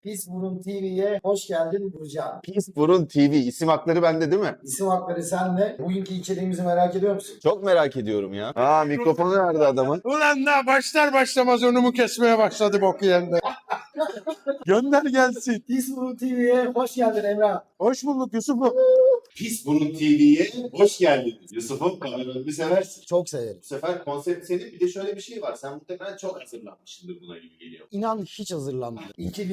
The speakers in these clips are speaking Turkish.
Pis Burun TV'ye hoş geldin Burcan. Pis Burun TV. İsim hakları bende değil mi? İsim hakları sende. Bugünkü içeriğimizi merak ediyor musun? Çok merak ediyorum ya. Aa, mikrofonu nerede adamın? Ulan daha başlar başlamaz önümü kesmeye başladı boku yerinde. Gönder gelsin. Pis Burun TV'ye hoş geldin Emrah. Hoş bulduk Yusuf'um. Pis Burun TV'ye hoş geldiniz. Yusuf'um, kameralarını seversin. Çok severim. Bu sefer konsept senin. Bir de şöyle bir şey var. Sen muhtemelen çok hazırlanmışsındır buna gibi geliyor. İnan hiç hazırlanmadım.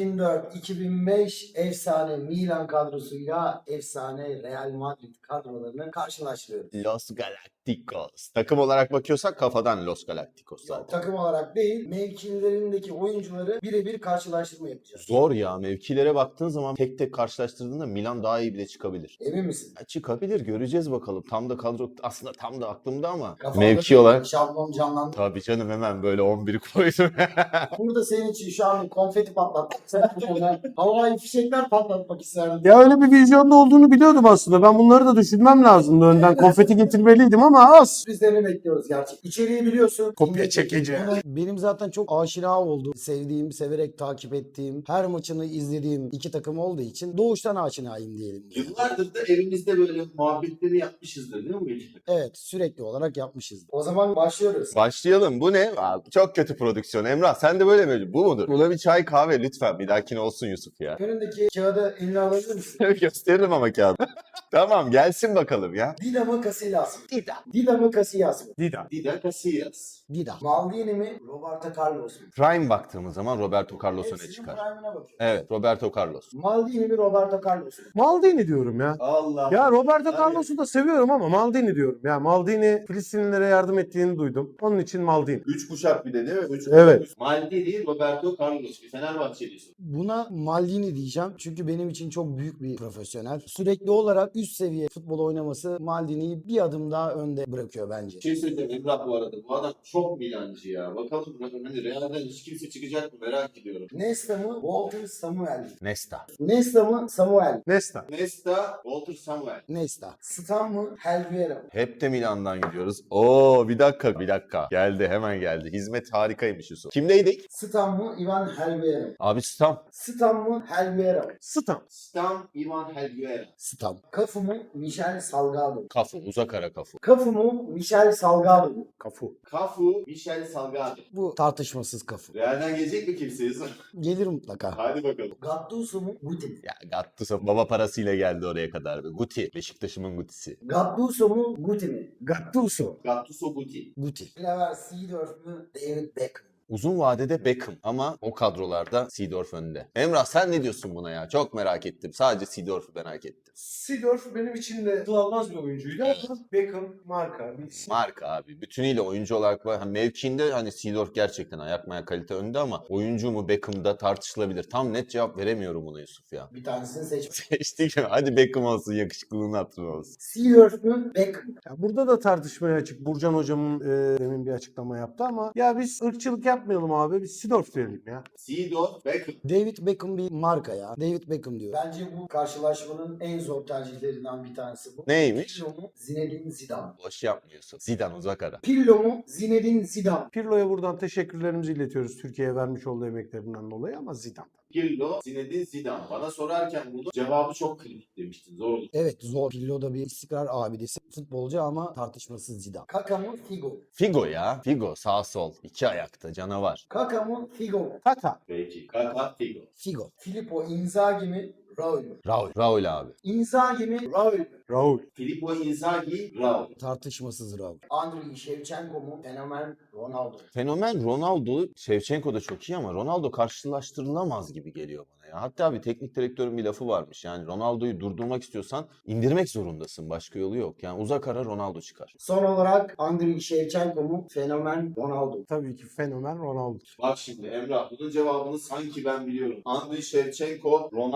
2004-2005 efsane Milan kadrosuyla efsane Real Madrid kadrolarını karşılaştırıyorum. Los Galacticos. Takım olarak bakıyorsak kafadan Los Galacticos Yok, zaten. takım olarak değil, mevkilerindeki oyuncuları birebir karşılaştırma yapacağız. Zor ya. Mevkilere baktığın zaman tek tek karşılaştırdığında Milan daha iyi bile çıkabilir. Emin misin? Ya çıkabilir. Göreceğiz bakalım. Tam da kadro aslında tam da aklımda ama Kafamda mevki bir olarak şablon canlandı. tabii canım, hemen böyle 11'i koydum. Burada senin için şu an konfeti patlatmak isterdim. Havai fişekler patlatmak isterdim. Ya öyle bir vizyonda olduğunu biliyordum aslında. Ben bunları da düşünmem lazımdı. Önden konfeti getirmeliydim ama az. Sürprizlerini bekliyoruz gerçekten. İçeriği biliyorsun. Kopya çekici. Benim zaten çok aşina olduğum, sevdiğim, severek takip ettiğim, her maçını izlediğim iki takım olduğu için doğuştan aşinayım diyelim. Yıllardır da evimizde böyle muhabbetleri yapmışızdır değil mi Melih? Evet, sürekli olarak yapmışız. O zaman başlıyoruz. Başlayalım. Bu ne? Abi, çok kötü prodüksiyon. Emrah sen de böyle mi? Bu mudur? Buna bir çay kahve lütfen. Bir dahakine olsun Yusuf ya. Önündeki kağıdı eline alabilir misin? Gösteririm ama kağıdı. Tamam, gelsin bakalım ya. Dinamo Casillas mı? Dida. Dinamo Casillas mı? Dida. Dida Casillas. Dida. Maldini mi? Roberto Carlos mu? Prime baktığımız zaman Roberto Carlos öne Hepsinin çıkar. prime'ına bakıyoruz. Evet, Roberto Carlos. Maldini mi? Roberto Carlos mu? Maldini diyorum ya. Allah. Ya Roberto Carlos'u da seviyorum ama Maldini diyorum. Ya Maldini Filistinlilere yardım ettiğini duydum. Onun için Maldini. 3 kuşak bir de değil mi? Evet. Maldini, Roberto Carlos. Bir Fenerbahçelisin. Buna Maldini diyeceğim çünkü benim için çok büyük bir profesyonel. Sürekli olarak üst seviye futbol oynaması Maldini'yi bir adım daha önde bırakıyor bence. Bir şey söyleyeceğim Emrah bu arada. Bu adam çok Milancı ya. Bakalım hani Real'den hiç kimse çıkacak mı merak ediyorum. Nesta mı? Walter Samuel mi? Nesta. Nesta mı? Samuel mi? Nesta. Nesta, Walter Samuel. Nesta. Stam mı? Helguera mı? Hep de Milan'dan gidiyoruz. Oo, bir dakika. Geldi, hemen geldi. Hizmet harikaymış Yusuf. Kimdeydik? Stam mı? Ivan Helguera mı? Abi Stam. Stam mı? Helguera mı? Stam. Stam Ivan Helguera. Stam. Kafu mu? Michel Salgado mu? Kafu, uzak ara kafu. Kafu mu? Michel Salgado mu? Kafu. Kafu, Michel Salgado. Bu tartışmasız kafu. Real'den gelecek mi kimse Yusuf? Gelir mutlaka. Hadi bakalım. Gattuso mu? Guti mi? Ya Gattuso baba parasıyla geldi oraya kadar. Guti, Beşiktaş'ımın Guti'si. Gattuso mu? Guti mi? Gattuso. Gattuso Guti. Guti. Clever Seedorf mu? David Beckham. Uzun vadede Beckham ama o kadrolarda Seedorf önde. Emrah sen ne diyorsun buna ya? Çok merak ettim. Sadece Seedorf'u merak ettim. Seedorf benim için de kılavuz bir oyuncuydu ama Beckham marka. Bir isim. Marka abi. Bütünüyle oyuncu olarak var. Mevkiinde hani Seedorf gerçekten ayak kalite önde ama oyuncu mu Beckham'da tartışılabilir. Tam net cevap veremiyorum buna Yusuf ya. Bir tanesini seç. Seçtik mi? Hadi Beckham olsun, yakışıklılığını hatırı olsun. Seedorf mu? Beckham mı? Ya burada da tartışmaya açık. Burcan hocamın demin bir açıklama yaptı ama ya biz ırkçılık yapmayalım abi. Biz Seedorf diyelim ya. Seedorf, Beckham. David Beckham bir marka ya. David Beckham diyor. Bence bu karşılaşmanın en zor tercihlerinden bir tanesi bu. Neymiş? Pirlo mu? Zinedine Zidane. Boş yapmıyorsun. Zidane uzak ara. Pirlo mu? Zinedine Zidane. Pirlo'ya buradan teşekkürlerimizi iletiyoruz Türkiye'ye vermiş olduğu emeklerinden dolayı ama Zidane. Pirlo, Zinedine Zidane. Bana sorarken bunu cevabı çok kritik demiştin. Zor olur. Evet zor. Pirlo da bir istikrar abidesi. Futbolcu ama tartışmasız Zidane. Kaka mı? Figo mu? Figo ya. Figo sağ sol. İki ayakta canavar. Kaka mı? Figo mu? Kaka. Peki. Kaka, Figo. Figo. Filippo Inzaghi mi? Raul mu? Raul. Raul abi. Inzaghi mi? Raul mu? Raul. Filippo Inzaghi, Raul. Tartışmasız Raul. Andriy Shevchenko mu? Fenomen Ronaldo. Fenomen Ronaldo, Shevchenko da çok iyi ama Ronaldo karşılaştırılamaz gibi geliyor bana ya. Hatta bir teknik direktörün bir lafı varmış. Yani Ronaldo'yu durdurmak istiyorsan indirmek zorundasın. Başka yolu yok. Yani uzak ara Ronaldo çıkar. Son olarak Andriy Shevchenko mu? Fenomen Ronaldo. Tabii ki fenomen Ronaldo. Bak şimdi Emrah, bunun cevabını sanki ben biliyorum. Andriy Shevchenko, Ronaldo.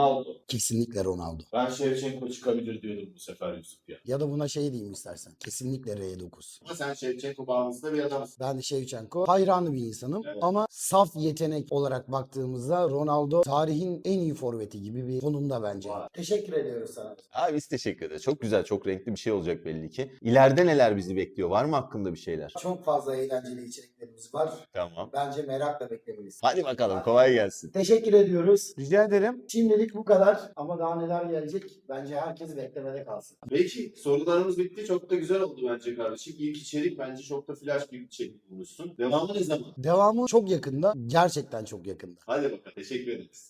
Kesinlikle Ronaldo. Ben Shevchenko çıkabilir diyordum bu sefer Yusuf ya. Ya da buna şey diyeyim istersen. Kesinlikle R9. Ama sen Shevchenko bağımlısı da bir adamsın. Ben de Shevchenko hayranı bir insanım. Evet. Ama saf yetenek olarak baktığımızda Ronaldo tarihin en iyi forveti gibi bir konumda bence. Vay. Teşekkür ediyoruz sana. Abi biz teşekkür ederiz. Çok güzel, çok renkli bir şey olacak belli ki. İleride neler bizi bekliyor? Var mı hakkında bir şeyler? Çok fazla eğlenceli içeriklerimiz var. Tamam. Bence merakla beklemelisin. Hadi bakalım, kolay gelsin. Teşekkür ediyoruz. Rica ederim. Şimdilik bu kadar ama daha neler gelecek bence herkes beklemede kalsın. Peki sorularımız bitti. Çok da güzel oldu bence kardeşim. İlk içerik bence çok da flash bir içerik bulmuşsun. Devamı ne zaman? Devamı çok yakında, gerçekten çok yakında. Hadi bakalım. Teşekkür ederiz.